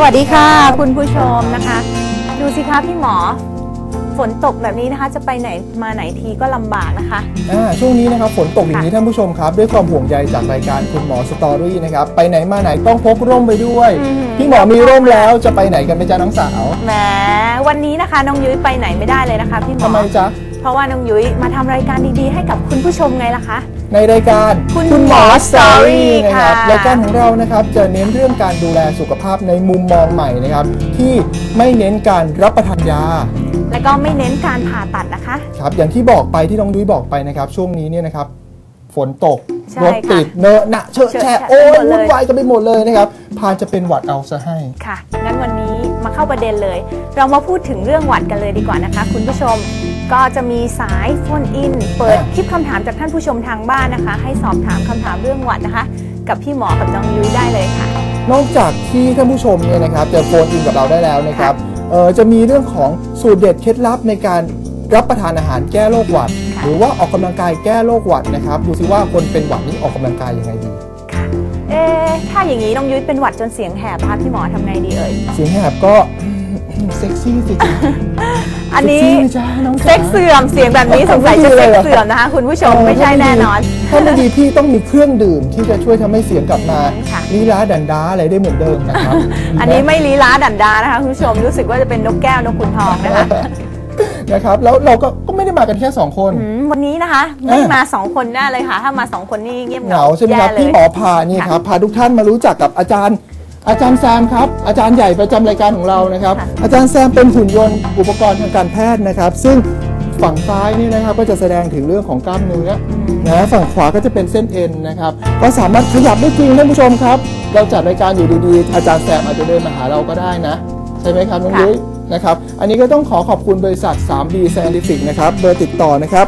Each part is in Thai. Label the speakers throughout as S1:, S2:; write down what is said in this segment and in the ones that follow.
S1: วัสดีค่ะคุณผู้ชมนะคะดูสิคะพี่หมอฝนตกแบบนี้นะคะจะไปไหนมาไหนทีก็ลำบากนะคะ
S2: ช่วงนี้นะครับฝนตกอย่างนี้ท่านผู้ชมครับด้วยความห่วงใยจากรายการคุณหมอสตอรี่นะครับไปไหนมาไหนต้องพกร่มไปด้วยพี่หมอมีร่มแล้วจะไปไหนกันไหมจ๊ะน้องสาว
S1: แหมวันนี้นะคะน้องยุ้ยไปไหนไม่ได้เลยนะคะพี่หมอ
S2: ทำไมจ๊ะ
S1: เพราะว่าน้องยุ้ยมาทำรายการดีๆให้กับคุณผู้ชมไงล่ะคะ
S2: ในรายการ
S1: คุณหมอสตอรี่
S2: นะครับรายการของเรานะครับจะเน้นเรื่องการดูแลสุขภาพในมุมมองใหม่นะครับที่ไม่เน้นการรับประทานยา
S1: และก็ไม่เน้นการผ่าตัดนะคะ
S2: ครับอย่างที่บอกไปที่น้องดุ้ยบอกไปนะครับช่วงนี้เนี่ยนะครับฝนตกรถติดเนอะหนะเชอะแฉะโอ้ยวุ่นวายกันไปหมดเลยนะครับพานจะเป็นหวัดเอาซะให้
S1: ค่ะงั้นวันนี้มาเข้าประเด็นเลยเรามาพูดถึงเรื่องหวัดกันเลยดีกว่านะคะคุณผู้ชมก็จะมีสายโฟนอินเปิดคลิปคำถามจากท่านผู้ชมทางบ้านนะคะให้สอบถามคำถามเรื่องหวัดนะคะกับพี่หมอกับน้องยุ้ยได้เลยค่ะ
S2: นอกจากที่ท่านผู้ชมเนี่ยนะครับจะโฟนอินกับเราได้แล้วนะครับจะมีเรื่องของสูตรเด็ดเคล็ดลับในการรับประทานอาหารแก้โรคหวัดหรือว่าออกกำลังกายแก้โรคหวัดนะครับดูซิว่าคนเป็นหวัดนี่ออกกำลังกายยังไงดี
S1: ค่ะถ้าอย่างนี้น้องยุ้ยเป็นหวัดจนเสียงแหบนะคะพี่หมอทำไงดีเอ่ย
S2: เสียงแหบก็เซ็กซี่สิ
S1: อันนี้เซ็กเสื่อมเสียงแบบนี้สงสัยจะเซ็กเสื่อมนะคะคุณผู้ชมไม่ใช่แน่นอน
S2: ถ้าไม่ดีพี่ต้องมีเครื่องดื่มที่จะช่วยทำให้เสียงกลับมาลีลาดันดาอะไรได้เหมือนเดิมนะครับ
S1: อันนี้ไม่ลีลาดันดานะคะคุณผู้ชมรู้สึกว่าจะเป็นนกแก้วนกขุนทองนะคะ
S2: นะครับแล้วเราก็ไม่ได้มากันแค่2คน
S1: วันนี้นะคะไม่มา2คนแน่เลยค่ะถ้ามา2คนนี่เงียบเหงา
S2: ใช่ไหมครับพี่หมอพานี่ครับพาทุกท่านมารู้จักกับอาจารย์แซมครับอาจารย์ใหญ่ประจำรายการของเรานะครับอาจารย์แซมเป็นหุ่นยนต์อุปกรณ์ทางการแพทย์นะครับซึ่งฝั่งซ้ายนี่นะครับก็จะแสดงถึงเรื่องของกล้ามเนื้อนะฝั่งขวาก็จะเป็นเส้นเอ็นนะครับก็สามารถขยับได้จริงท่านผู้ชมครับเราจัดรายการอยู่ดีๆอาจารย์แซมอาจจะเดินมาหาเราก็ได้นะใช่ไหมครับน้องยุ้ยนะครับอันนี้ก็ต้องขอบคุณบริษัท 3B Scientific นะครับเบอร์ติดต่อนะครับ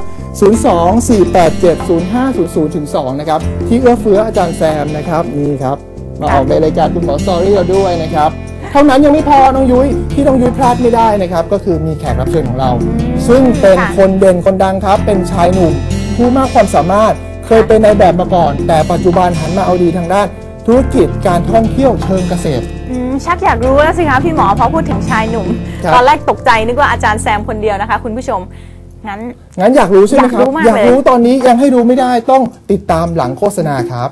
S2: 024870500-2นะครับที่เอื้อเฟื้ออาจารย์แซมนะครับนี่ครับมาออกในรายการคุณหมอสตอรี่เราด้วยนะครับเท่านั้นยังไม่พอน้องยุ้ยที่น้องยุ้ยพลาดไม่ได้นะครับก็คือมีแขกรับเชิญของเราซึ่งเป็นคนเด่นคนดังครับเป็นชายหนุ่มผู้มากความสามารถเคยเป็นนายแบบมาก่อนแต่ปัจจุบันหันมาเอาดีทางด้านธุรกิจการท่องเที่ยวเชิงเกษตร
S1: ชักอยากรู้แล้วสิคะพี่หมอพอพูดถึงชายหนุ่มตอนแรกตกใจนึกว่าอาจารย์แซมคนเดียวนะคะคุณผู้ชมงั้น
S2: อยากรู้ใช่ไหมครับอยากรู้ตอนนี้ยังให้รู้ไม่ได้ต้องติดตามหลังโฆษณาครับ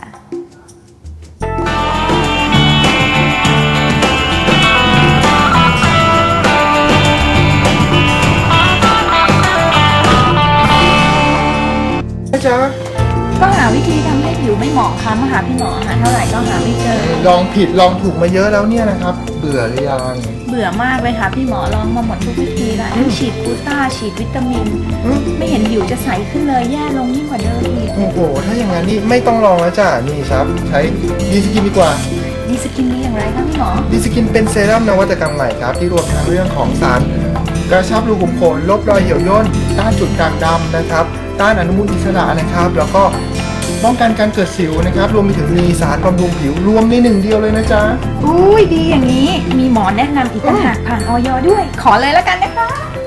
S2: จ๊ะ
S1: ก็หาวิธีทำให้ผิวไม่หมองคล้ำมาหาพี่หมอหาเท่าไหร่ก็หาไม่เจอ
S2: ลองผิดลองถูกมาเยอะแล้วเนี่ยนะครับเบื่อหรือยัง
S1: เบื่อมากเลยค่ะพี่หมอลองมาหมดทุกวิธีแล้วฉีดกูต้าฉีดวิตามินไม่เห็นผิวจะใสขึ้นเลยแย่ลงยิ่งกว่าเดิมอีก
S2: โอ้โหถ้าอย่างนั้นนี่ไม่ต้องลองแล้วจ้ะนี่ครับใช้ดีสกินดีกว่า
S1: ดีสกินนี่อย่างไรครับพี่หมอ
S2: ดีสกินเป็นเซรั่มนวัตกรรมใหม่ครับที่รวมทั้งเรื่องของสารกระชับรูขุมขนลบรอยเหี่ยวย่นต้านจุดด่างดำนะครับต้านอนุมูลอิสระนะครับแล้วก็ป้องกันการเกิดสิวนะครับรวมไปถึงมีสารบำรุงผิวรวมใน1 เดียวเลยนะจ๊ะ
S1: อุ้ยดีอย่างนี้มีหมอแนะนำอีกต่างหากผ่านอย.ด้วยขอเลยแล้วกันนะคะ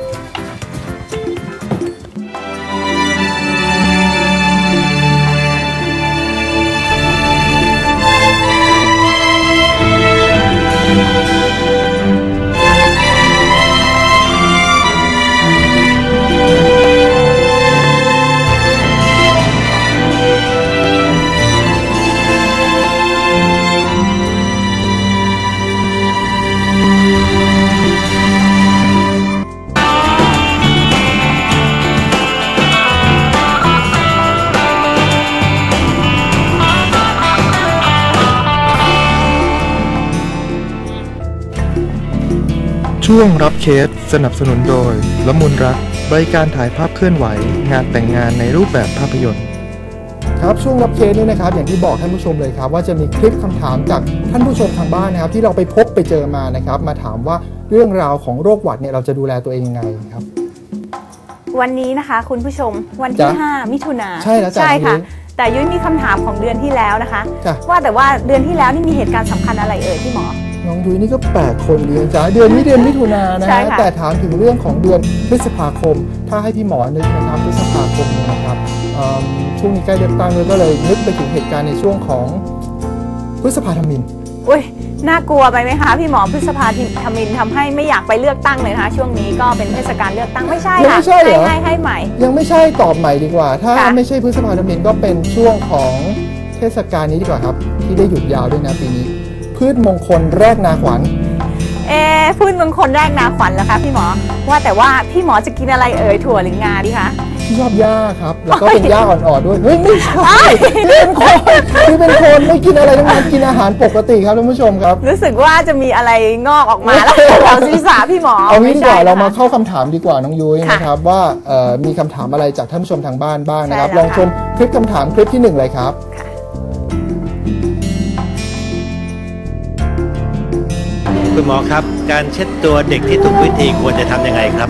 S2: ช่วงรับเคสสนับสนุนโดยละมุนรักบริการถ่ายภาพเคลื่อนไหวงานแต่งงานในรูปแบบภาพยนตร์ครับช่วงรับเคสนี้นะครับอย่างที่บอกท่านผู้ชมเลยครับว่าจะมีคลิปคำถามจากท่านผู้ชมทางบ้านนะครับที่เราไปพบไปเจอมานะครับมาถามว่าเรื่องราวของโรคหวัดเนี่ยเราจะดูแลตัวเองยังไงครับ
S1: วันนี้นะคะคุณผู้ชมวันที่5 มิถุนายน
S2: ใช่แล้ว
S1: ใช่ค่ะแต่ยุ้ยมีคำถามของเดือนที่แล้วนะคะว่าแต่ว่าเดือนที่แล้วนี่มีเหตุการณ์สำคัญอะไรเอ่ยพี่หมอ
S2: น้องยุ้ยนี่ก็8 คนเดือนจ้าเดือนนี้เดือนมิถุนายนนะฮะแต่ถามถึงเรื่องของเดือนพฤษภาคมถ้าให้พี่หมอนึกนะครับพฤษภาคมนะครับช่วงนี้ใกล้เลือกตั้งเลยก็เลยนึกไปถึงเหตุการณ์ในช่วงของพฤษภาธมิฬ
S1: อุ้ยน่ากลัวไปไหมคะพี่หมอพฤษภาธมิฬทำให้ไม่อยากไปเลือกตั้งเลยนะคะช่วงนี้ก็เป็นเทศกาลเลือกตั้งไม่ใช่ค่ะให้ใหม่
S2: ยังไม่ใช่ตอบใหม่ดีกว่าถ้าไม่ใช่พฤษภาธมิฬก็เป็นช่วงของเทศกาลนี้ดีกว่าครับที่ได้หยุดยาวด้วยนะปีนี้พืชมงคลแรกนาขวัญ
S1: พืชมงคลแรกนาขวัญเหรอคะพี่หมอว่าแต่ว่าพี่หมอจะกินอะไรถั่วหรืองาดีคะ
S2: ชอบหญ้าครับแล้วก็เป็นหญ้าอ่อนๆด้วยเฮ้ยไม่ใช่เป็นคนไม่กินอะไรทั้งนั้นกินอาหารปกติครับท่านผู้ชมครับ
S1: รู้สึกว่าจะมีอะไรงอกออกมาแล้วแถวศีรษะพี่หมอ
S2: เอางี้ดีกว่าเรามาเข้าคำถามดีกว่าน้องยุ้ยนะครับว่ามีคำถามอะไรจากท่านผู้ชมทางบ้านบ้างนะครับลองชมคลิปคำถามคลิปที่1เลยครับ
S3: คุณหมอครับการเช็ดตัวเด็กที่ถูกวิธีควรจะทำยังไงครับ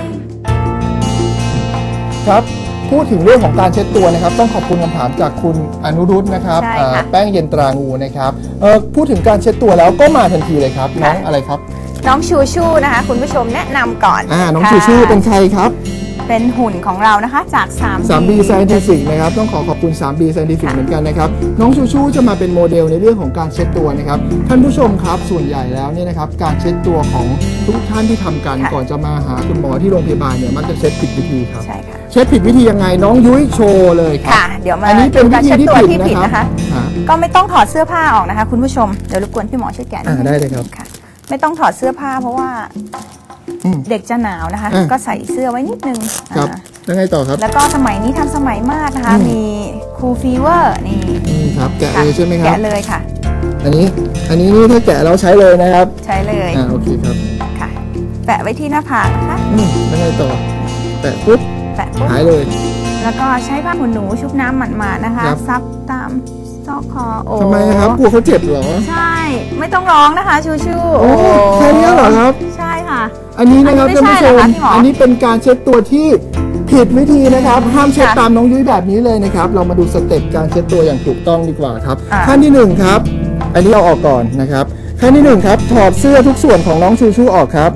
S2: ครับพูดถึงเรื่องของการเช็ดตัวนะครับต้องขอบคุณคำถามจากคุณอนุรุตนะครับแป้งเย็นตรางูนะครับพูดถึงการเช็ดตัวแล้วก็มาทันทีเลยครับน้องอะไรครับ
S1: น้องชูชูนะคะคุณผู้ชมแนะนำก่อน
S2: น้องชูชูเป็นใครครับ
S1: เป็นหุ่นของเรานะคะจาก
S2: 3B Scientific นะครับต้องขอบคุณ 3B Scientific เหมือนกันนะครับน้องชูชูจะมาเป็นโมเดลในเรื่องของการเช็ดตัวนะครับท่านผู้ชมครับส่วนใหญ่แล้วเนี่ยนะครับการเช็ดตัวของทุกท่านที่ทำกันก่อนจะมาหาคุณหมอที่โรงพยาบาลเนี่ยมักจะเช็ดผิดวิธีครับ
S1: ใช่ค่ะ
S2: เช็ดผิดวิธียังไงน้องยุ้ยโชว์เลย
S1: ค่ะเดี๋ยวมา
S2: อันนี้เป็นวิธีที่ผิดนะคะ
S1: ก็ไม่ต้องถอดเสื้อผ้าออกนะคะคุณผู้ชมเดี๋ยวรบกวนพี่หมอช่วยแกะ
S2: ได้เลยครับ
S1: ค่ะไม่ต้องถอดเสื้อผ้าเพราะว่าเด็กจะหนาวนะคะก็ใส่เสื้อไว้นิดนึง
S2: ครับแล้วไงต่อครับ
S1: แล้วก็สมัยนี้ทันสมัยมากนะคะมีคูลฟีเวอร์นี่
S2: ครับแกะเลยใช่ไหมครับ
S1: แกะเลยค่ะ
S2: อันนี้นี่ถ้าแกะเราใช้เลยนะครับ
S1: ใช้เลย
S2: โอเคครับ
S1: ค่ะแปะไว้ที่หน้าผากนะคะ
S2: แล้วไงต่อแปะปุ๊บหายเลย
S1: แล้วก็ใช้ผ้าขนหนูชุบน้ำหมาดๆนะคะซับตามซอกคอ
S2: ทำไมครับกลัวเขาเจ็บเหรอ
S1: ใช่ไม่ต้องร้องนะคะชูชู
S2: แค่นี้เหรอครับ
S1: ใช่ค่ะ
S2: อันนี้นะครับท่านผู้ชมอันนี้เป็นการเช็ดตัวที่ผิดวิธีนะครับห้ามเช็ดตามน้องยุ้ยแบบนี้เลยนะครับเรามาดูสเต็ปการเช็ดตัวอย่างถูกต้องดีกว่าครับขั้นที่1ครับอันนี้เอาออกก่อนนะครับขั้นที่1ครับถอดเสื้อทุกส่วนของน้องชูชูออกครับ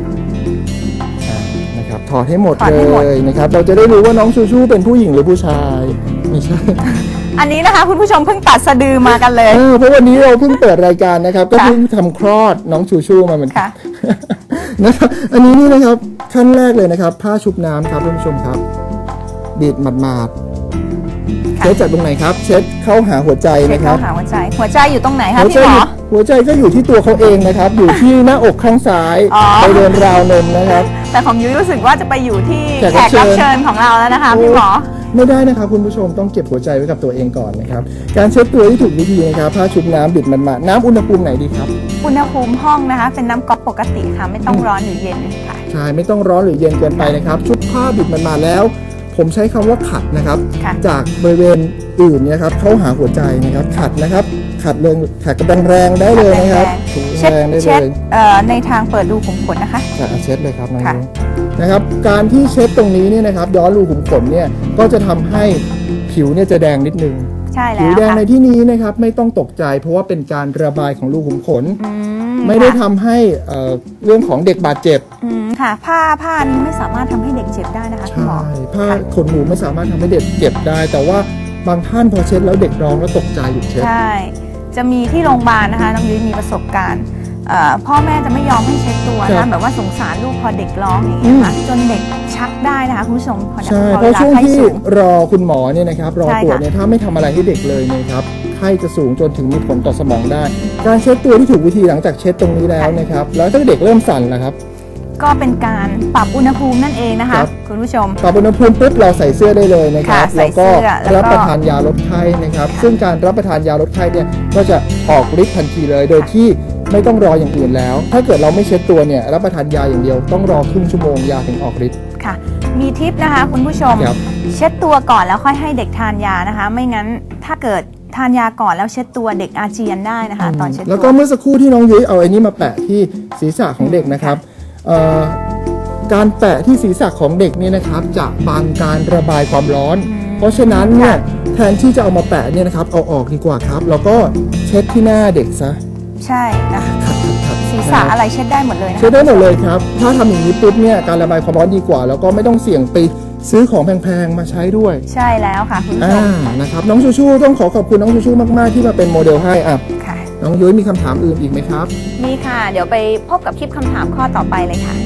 S2: นะครับถอดให้หมดเลยนะครับเราจะได้รู้ว่าน้องชูชูเป็นผู้หญิงหรือผู้ชายไม่ใช่
S1: อันนี้นะคะคุณผู้ชมเพิ่งตัดสะดือมากันเลย
S2: เพราะวันนี้เราเพิ่งเปิดรายการนะครับก็เพิ่งทำคลอดน้องชูชูมาเหมือนกันนะครับอันนี้นี่นะครับขั้นแรกเลยนะครับผ้าชุบน้ำครับท่านผู้ชมครับบีบหมาดๆเช็ดจากตรงไหนครับเช็ดเข้าหาหัวใจนะครับ
S1: เข้าหาหัวใจอยู่ตรงไหนครับพี่หมอ
S2: หัวใจก็อยู่ที่ตัวเขาเองนะครับอยู่ที่หน้าอกข้างซ้ายไปเดินราวนมนะครับ
S1: แต่ของยุ้ยรู้สึกว่าจะไปอยู่ที่แขกรับเชิญของเราแล้วนะคะพี่หมอ
S2: ไม่ได้นะครับคุณผู้ชมต้องเก็บหัวใจไว้กับตัวเองก่อนนะครับการเช็ดตัวที่ถูกวิธีนะครับผ้าชุบน้ำบิดมันมาน้ำอุณหภูมิไหนดีครับ
S1: อุณหภูมิห้องนะคะเป็นน้ำก๊อกปกติค่ะไม่ต้องร้อนหรือเย็นค่ะ
S2: ใช่ไม่ต้องร้อนหรือเย็นเกินไปนะครับชุบผ้าบิดมันมาแล้วผมใช้คำว่าขัดนะครับจากบริเวณอื่นเนี่ยครับเข้าหาหัวใจนะครับขัดนะครับขัดเลยขัดกระแรงได้เลยนะครับ
S1: เช็ดในทางเปิดรูขุมขนนะคะ
S2: เช็ดเลยครับนะครับการที่เช็ดตรงนี้เนี่ยนะครับย้อนรูขุมขนเนี่ยก็จะทำให้ผิวเนี่ยจะแดงนิดนึง
S1: ใช่แล้ว
S2: ผิวแดงในที่นี้นะครับไม่ต้องตกใจเพราะว่าเป็นการระบายของรูขุมขนไม่ได้ทำให้เรื่องของเด็กบาดเจ็บ
S1: ค่ะผ้านี้ไม่สามารถทำให้เด็กเจ็บได้นะคะคุณหมอ
S2: ผ้าขนหนูไม่สามารถทำให้เด็กเจ็บได้แต่ว่าบางท่านพอเช็ดแล้วเด็กร้องแล้วตกใจหยุดเช็ด
S1: ใช่จะมีที่โรงพยาบาลนะคะน้องยุ้ยมีประสบการณ์พ่อแม่จะไม่ยอมให้เช็ดตัวนะแบบว่าสงสารลูกพอเด็กร้องอย่างเงี้ยค่ะจนเด็กชักได้นะคะคุณผู้ชม
S2: ใช่เพราะช่วงที่รอคุณหมอเนี่ยนะครับรอตรวจเนี่ยถ้าไม่ทำอะไรให้เด็กเลยนะครับไข้จะสูงจนถึงมีผลต่อสมองได้การเช็ดตัวที่ถูกวิธีหลังจากเช็ดตรงนี้แล้วนะครับแล้วถ้าเด็กเริ่มสั่นล่ะครับ
S1: ก็เป็นการปรับอุณหภูมินั่นเองนะคะคุณผู้ชม
S2: ปรับอุณหภูมิปุ๊บเราใส่เสื้อได้เลยนะครับแล้วก็รับประทานยาลดไข้นะครับซึ่งการรับประทานยาลดไข้เนี่ยก็จะออกฤทธิ์ทันทีเลยโดยที่ไม่ต้องรออย่างอื่นแล้วถ้าเกิดเราไม่เช็ดตัวเนี่ยรับประทานยาอย่างเดียวต้องรอครึ่งชั่วโมงยาถึงออกฤทธิ์
S1: ค่ะมีทิปนะคะคุณผู้ชมเช็ดตัวก่อนแล้วค่อยให้เด็กทานยานะคะไม่งั้นถ้าเกิดทานยาก่อนแล้วเช็ดตัวเด็กอาเจียนได้นะคะตอนเช็ดตัว
S2: แล้วก็เมื่อสักครู่ที่น้องยุ้ยเอาไอ้นี้มาแปะที่ศีรษะของเด็กนะครับการแปะที่ศีรษะของเด็กเนี่ยนะครับจะบังการระบายความร้อนเพราะฉะนั้นเนี่ยแทนที่จะเอามาแปะเนี่ยนะครับเอาออกดีกว่าครับแล้วก็เช็ดที่หน้าเด็กซะ
S1: ใช่นะศีรษะอะไรเช็ดได้หมดเลยนะ
S2: เช็ดได้หมดเลยครับถ้าทำอย่างนี้ปุ๊บเนี่ยการระบายความร้อนดีกว่าแล้วก็ไม่ต้องเสี่ยงไปซื้อของแพงๆมาใช้ด้วย
S1: ใช่แล้วค่ะคุณผู้ชม
S2: นะครับน้องชูชูต้องขอบคุณน้องชูชูมากๆที่มาเป็นโมเดลให้น้องยุ้ยมีคำถามอื่นอีกไหมครับ
S1: มีค่ะ เดี๋ยวไปพบกับคลิปคำถามข้อต่อไปเลยค่ะ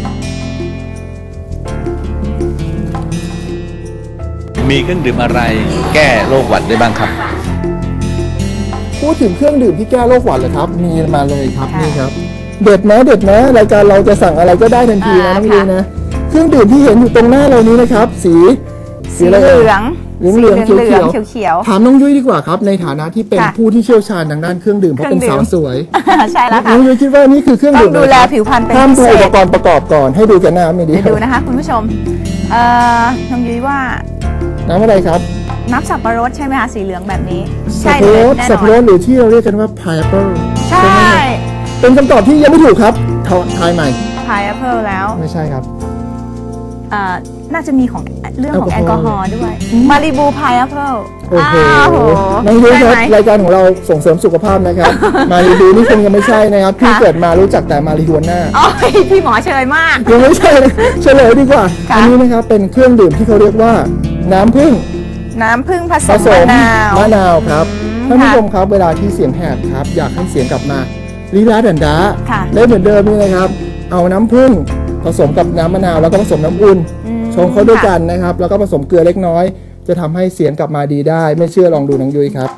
S4: มีเครื่องดื่มอะไรแก้โรคหวัดได้บ้างครับ
S2: พูดถึงเครื่องดื่มที่แก้โรคหวัดเหรอครับ มีมาเลยครับ
S1: ค่ะ
S2: นี่ครับเด็ดนะรายการเราจะสั่งอะไรก็ได้ทันทีนะน้องยุ้ยนะเครื่องดื่มที่เห็นอยู่ตรงหน้าเรานี้นะครับ สี
S1: สี
S2: อะไร
S1: เห
S2: เอ่ย
S1: ลือง
S2: เหลืองๆ
S1: สีเหลือง
S2: เขียว
S1: เขียว
S2: ถามน้องยุ้ยดีกว่าครับในฐานะที่เป็น
S1: ค่ะ
S2: ผู้ที่เชี่ยวชาญทางด้านเครื่องดื่มเพราะเป็น
S1: เครื่
S2: สา
S1: อง
S2: ว
S1: ดื่ม
S2: สวย
S1: ๆ ใช่แล้ว
S2: น้
S1: ค่ะ
S2: องยุ้ยคิดว่านี่คือเครื่อง
S1: ต้อ
S2: ดื่
S1: ง
S2: ม
S1: ดู
S2: อะไร
S1: แล
S2: ครับ
S1: ผิวพรรณเป็น
S2: ห้าม
S1: พิ
S2: ดู
S1: เศ
S2: อุป
S1: ษ
S2: กรณ์ประกอบก่อนให้ดูกันหน้าไม่ดี
S1: เดี๋ยวดูนะคะคุณผู้ชมน้องยุ้ยว่า
S2: น้ำอะไรครับ
S1: น้ำสับปะรดใช่ไหมคะสีเหลืองแบบนี้
S2: สับ
S1: เล
S2: ปะร
S1: ย
S2: ด
S1: แน่
S2: สับ
S1: น
S2: ปะ
S1: อ
S2: ร
S1: น
S2: ดหรือที่เราเรียกกันว่า pineapple
S1: ใช่
S2: ไหมครับเป็นคำตอบที่ยังไม่ถูกครับทายใหม่
S1: พายแอปเปิลแล้ว
S2: ไม่ใช่ครับ
S1: น่าจะมีของเรื่องของ
S2: แอ
S1: แอ
S2: ล
S1: ล
S2: ก
S1: ก
S2: อ
S1: อ
S2: ฮ
S1: ฮ
S2: อ
S1: อ
S2: ล์
S1: ล์ด้วยมาริบูพายแอปเปิล
S2: โอ้โห
S1: โห
S2: น้องยุ้ยครับ
S1: ได้ไหม
S2: รายการของเราส่งเสริมสุขภาพนะครับ มารีดูนี่คงยังไม่ใช่นะครับพี่
S1: ค่ะ
S2: เกิดมารู้จักแต่มารีฮวน่า
S1: โอ้ยพี่หมอเชยมาก
S2: ยังไม่ใช่เลยเฉลยดีกว่า
S1: ค่ะ
S2: อันนี้นะครับเป็นเครื่องดื่มที่เขาเรียกว่าน้ำผึ้ง
S1: น้ำผึ้งผส
S2: ผม สม
S1: มมะนาว
S2: ครับ
S1: อืม
S2: ท่านผู้
S1: ค่ะ
S2: ชมครับเวลาที่เสียงแหบครับ อยากให้เสียงกลับมาลีลาดันดา
S1: ค่ะ
S2: ได้เหมือนเดิมนี่นะครับ เอาน้ำผึ้งผสมกับน้ำมะนาวแล้วก็ผสมน้ำอุ่น
S1: อืม
S2: ชงเข้าด้วย
S1: ค่ะ
S2: กันนะครับ แล้วก็ผสมเกลือเล็กน้อย จะทำให้เสียงกลับมาดีได้ ไม่เชื่อลองดูน้องยุ้ยครับ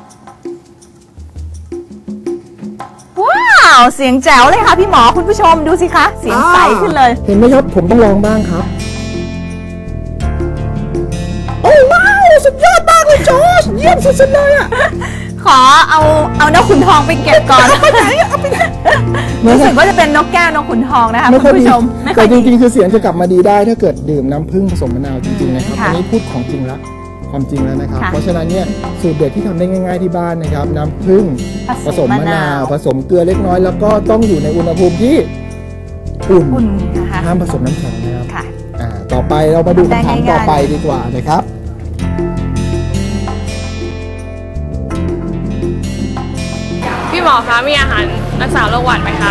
S1: ว้าวเสียงแจ๋วเลยค่ะพี่หมอคุณผู้ชมดูสิคะเสียงใสขึ้นเลย
S2: เห็นไหมครับ ผมต้องลองบ้างครับ โอ้ว้าวสุดยอดมากเลยจอร์จเยี่ยมสุดๆเลยอ่ะ
S1: ขอเอานกขุนทองไปเก็บก่อนรู้สึกว่าจะเป็นนกแก้วนกขุนทองนะคะ
S2: ไม่
S1: คุ
S2: ค่อย
S1: ณ
S2: ดี
S1: ผู้ชมไม่ค่
S2: แต่
S1: อย
S2: จ
S1: ดี
S2: ริงๆคือเสียงจะกลับมาดีได้ถ้าเกิดดื่มน้ำผึ้งผสมมะนาวจริงๆนะครับ
S1: ค่ะ
S2: อันนี้พูดของจริงแล้วความจริงแล้วนะครับ
S1: ค่ะ
S2: เพราะฉะนั้นเนี่ยสูตรเด็ดที่ทำได้ง่ายๆที่บ้านนะครับ น้ำผึ้งผสมมะนาว ผสมเกลือเล็กน้อย แล้วก็ต้องอยู่ในอุณหภูมิที่อุ่น
S1: อุ่นนะคะ
S2: ห้ามผสมน้ำแข็งนะครับ
S1: ค่ะ
S2: ต่อไปเรามาดู
S1: ได้
S2: คำถาม
S1: ง่ายๆ
S2: ต่อไปดีกว่านะครับ
S5: พี่หมอคะมีอาหารรักษาโรคหวัดไหมคะ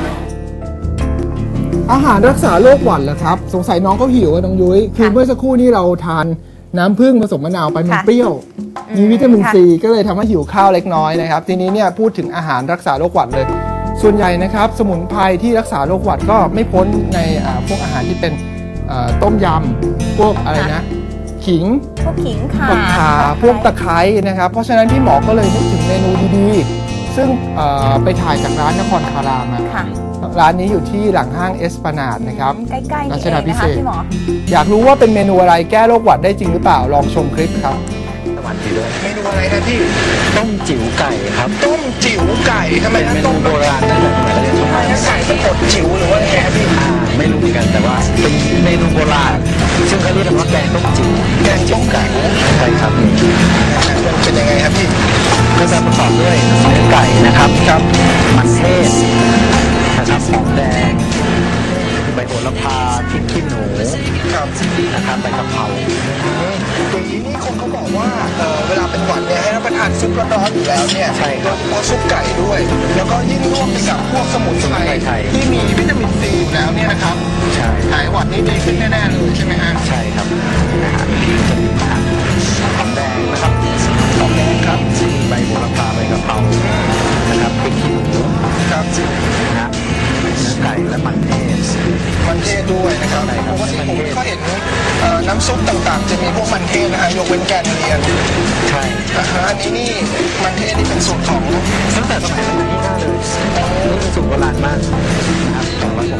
S2: อาหารรักษาโรคหวัดเหรอครับ สงสัยน้องเขาหิวอะน้องยุ้ยคือเมื่อสักครู่นี้เราทานน้ำผึ้งผสมมะนาวไปมัน
S1: ค่ะ
S2: เปรี้ยว มีวิตามิน
S1: ค่ะ
S2: ซีก็เลยทำให้หิวข้าวเล็กน้อยนะครับ ทีนี้เนี่ยพูดถึงอาหารรักษาโรคหวัดเลย ส่วนใหญ่นะครับ สมุนไพรที่รักษาโรคหวัดก็ไม่พ้นในพวกอาหารที่เป็นต้มยำพวกอะไรนะ ขิง
S1: พวกขิงข่า
S2: พวกข่าพวกตะไคร้นะครับ เพราะฉะนั้นพี่หมอก็เลยนึกถึงเมนูดีๆ ซึ่งไปถ่ายจากร้านนครคารามมา
S1: ค่ะ
S2: ร้านนี้อยู่ที่หลังห้างเอสปานาดนะครับ
S1: ใกล้ๆนี่
S2: รั
S1: เอ
S2: ชดาง พิ
S1: นะ
S2: เศ
S1: คะ
S2: ษ
S1: พี่หมอ
S2: อยากรู้ว่าเป็นเมนูอะไรแก้โรคหวัดได้จริงหรือเปล่า ลองชมคลิปครับ
S4: สวัสดีด้วย
S2: เมนูอะไรนะพี่
S4: ต้มจิ๋วไก่ครับ
S2: ต้มจิ๋วไก่ทำไม
S4: เป็น
S2: นะ
S4: เมนู
S2: ต้ม
S4: โบราณตั้งแต่สมัยเรียนสมัย
S2: ไก่สะกดจิ๋วหรือว่าไงครับพี่
S4: ไม่รู้เหมือนกันแต่ว่าเป็นเมนูโบราณ ซึ่งเขาเรียกกันว่าแกงต้มจิ๋ว
S2: แกงต้มไก่
S4: ใช่ครับ
S2: มันเป็นยังไงครับพี่
S4: ก็จะประกอบด้วยเนื้อไก่นะครับครับมันเทศนะครับหอมแดงใบโหระพาพริกขี้หนู
S2: ครับ
S4: นะครับใบกะเพรา
S2: อย่างนี้นี่คนเขาบอกว่าเวลาเป็นหวัดเนี่ยให้รับประทานซุปร้อนๆอยู่แล้วเนี่ยโดยเฉพาะซุปไก่ด้วย แล้วก็ยิ่งร่วมไปกับพวกสมุนไพรที่มีวิตามินซีอยู่แล้วเนี่ยนะครับ
S4: ใช่
S2: หายหวัดนี่ดีขึ้นแน่ๆเลยใช่ไหมฮะ
S4: ใช่ครับนะฮะหอมแดงนะครับหอมแดงครับใบโหระพาใบกะเพรานะครับพริกขี้หนู
S2: ครับ
S4: นะฮะเนื้อไก่และมันเทศ
S2: มันเทศด้วยนะครับ
S4: ใช่ครับ
S2: ปกติผมก็เห็นน้ำซุปต่างๆ จะมีพวกมันเทศนะฮะยกเว้นแกนเลียน
S4: ใช่
S2: อันนี้นี่มันเทศนี่เป็นสูตรของ
S4: ตั้งแต่สมัยรัชกาลที่ 5เลยนี่เป็นสูตรโบราณมากนะครับของรัช